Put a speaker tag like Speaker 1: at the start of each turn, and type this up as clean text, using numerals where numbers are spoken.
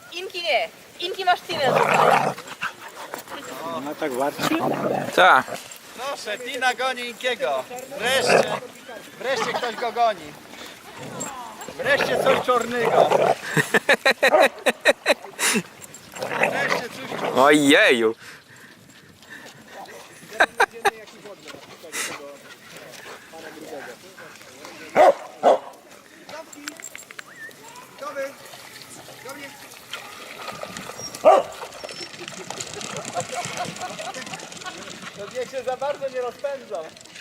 Speaker 1: Inki nie. Inki masz tynę tutaj.
Speaker 2: Ona tak warczy?
Speaker 3: Tak.
Speaker 4: Proszę, Tina goni Inkiego. Wreszcie ktoś go goni. Wreszcie coś czarnego. Wreszcie coś czarnego.
Speaker 3: Ojeju.
Speaker 4: No niech się za bardzo nie rozpędzą.